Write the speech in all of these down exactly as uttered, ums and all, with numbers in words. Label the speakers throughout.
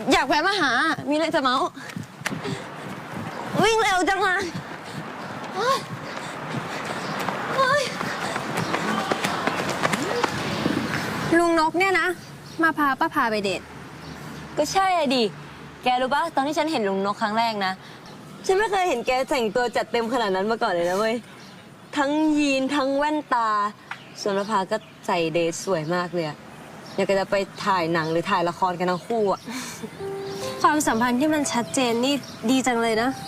Speaker 1: อยากแวะมาหามีอะไรจะเมาวิ่งเร็วจังเลยลุงนกเนี่ยนะมาพาป้าพาไปเดท
Speaker 2: ก็ใช่อะดิแกรู้ปะตอนที่ฉันเห็นลุงนกครั้งแรกนะฉันไม่เคยเห็นแกแต่งตัวจัดเต็มขนาดนั้นมาก่อนเลยนะเว้ยทั้งยีนทั้งแว่นตาส่วนประภาก็ใส่เดรสสวยมากเลยอะอยากจะไปถ่ายหนังหรือถ่ายละครกันทั้งคู่อะ
Speaker 1: ความสัมพันธ์ที่มันชัดเจนนี่ดีจังเลยนะ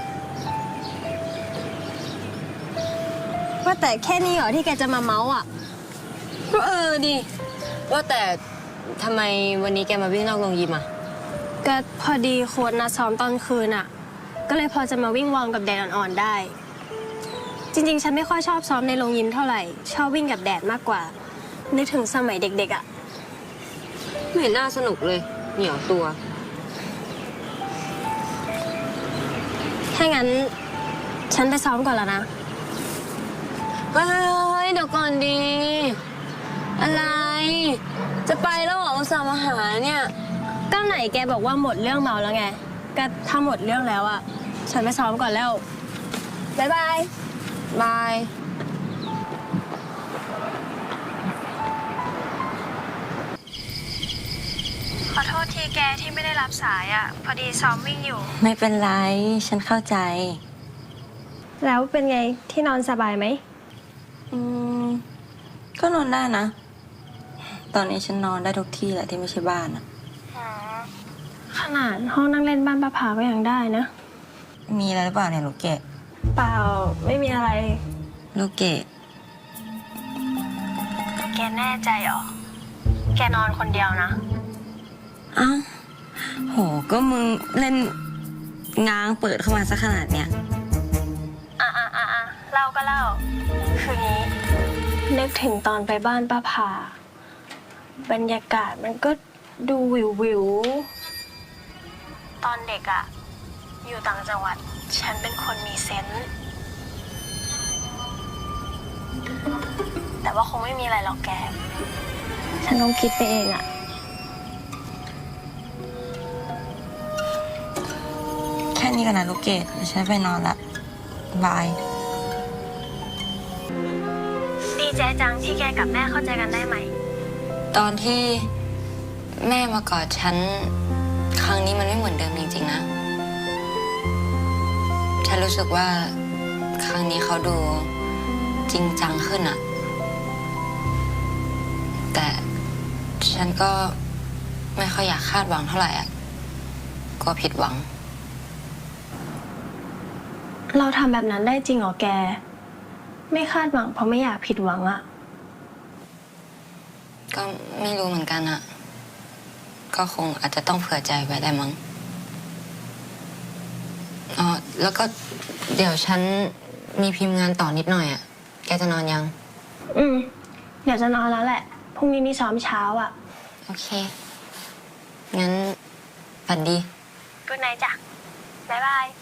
Speaker 1: ว่าแต่แค่นี้เหรอที่แกจะมาเมาส์อ่ะ
Speaker 2: ก็เออดิว่าแต่ทำไมวันนี้แกมาวิ่งนอกโรงยิมอะ
Speaker 1: ก็พอดีโค้ชนัดซ้อมตอนคืนอ่ะก็เลยพอจะมาวิ่งวอร์มกับแดดอ่อนๆได้จริงๆฉันไม่ค่อยชอบซ้อมในโรงยิมเท่าไหร่ชอบวิ่งกับแดดมากกว่านึกถึงสมัยเด็กๆอ่ะ
Speaker 2: ไม่เห็นน่าสนุกเลยเหนียวตัว
Speaker 1: ถ้างั้นฉันไปซ้อมก่อนแล้วนะ
Speaker 2: เฮ้ยเดี๋ยวก่อนดีอะไรจะไปแล้วเหรออุตส่าห์มาหาเนี่ย
Speaker 1: ก็ไหนแกบอกว่าหมดเรื่องเมาแล้วไงก็ถ้าหมดเรื่องแล้วอ่ะฉันไปซ้อมก่อนแล้วบ๊ายบาย
Speaker 2: บาย
Speaker 1: ขอโทษทีแกที่ไม่ได้รับสายอ่ะพอดีซ้อมวิ่งอยู่
Speaker 2: ไม่เป็นไรฉันเข้าใจ
Speaker 1: แล้วเป็นไงที่นอนสบายไหม
Speaker 2: อืมก็นอนได้นะตอนนี้ฉันนอนได้ทุกที่แหละที่ไม่ใช่บ้านอะ
Speaker 1: ขนาดห้องนั่งเล่นบ้านป้าผาก็ยังได้นะ
Speaker 2: มีอะไรหรือเปล่าเนี่ยลูกเกด
Speaker 1: เปล่าไม่มีอะไร
Speaker 2: ลูกเกด
Speaker 1: แกแน่ใจเหรอแกนอนคนเดียวนะ
Speaker 2: อ้าวโหก็มึงเล่นง้างเปิดเข้ามาซะขนาดเนี้ย
Speaker 1: อ่ะอ่ะอ่ะอ่ะเล่าก็เล่าคืองี้นึกถึงตอนไปบ้านป้าผาบรรยากาศมันก็ดูวิววิวตอนเด็กอะอยู่ต่างจังหวัดฉันเป็นคนมีเซนส์แต่ว่าคงไม่มีอะไรหรอกแกฉันต้องคิดไปเองอะ
Speaker 2: แค่นี้ก่อนนะลูกเกดฉันไปนอนละบาย
Speaker 1: ดีใจจังที่แกกับแม่เข้าใจกันได้ไหม
Speaker 2: ตอนที่แม่มากอดฉันครั้งนี้มันไม่เหมือนเดิมจริงๆนะฉันรู้สึกว่าครั้งนี้เขาดูจริงจังขึ้นอะแต่ฉันก็ไม่ค่อยอยากคาดหวังเท่าไหร่อะกลัวผิดหวัง
Speaker 1: เราทำแบบนั้นได้จริงเหรอแกไม่คาดหวังเพราะไม่อยากผิดหวังอะ
Speaker 2: ก็ไม่รู้เหมือนกันอะก็คงอาจจะต้องเผื่อใจไว้ได้มั้งอ๋อแล้วก็เดี๋ยวฉันมีพิมพ์งานต่อนิดหน่อยอะแกจะนอนยัง
Speaker 1: อืมเดี๋ยวจะนอนแล้วแหละพรุ่งนี้มีซ้อมเช้าอะ
Speaker 2: โอเคงั้นฝันดี
Speaker 1: กุ๊ดไนท์จ้ะบ๊ายบาย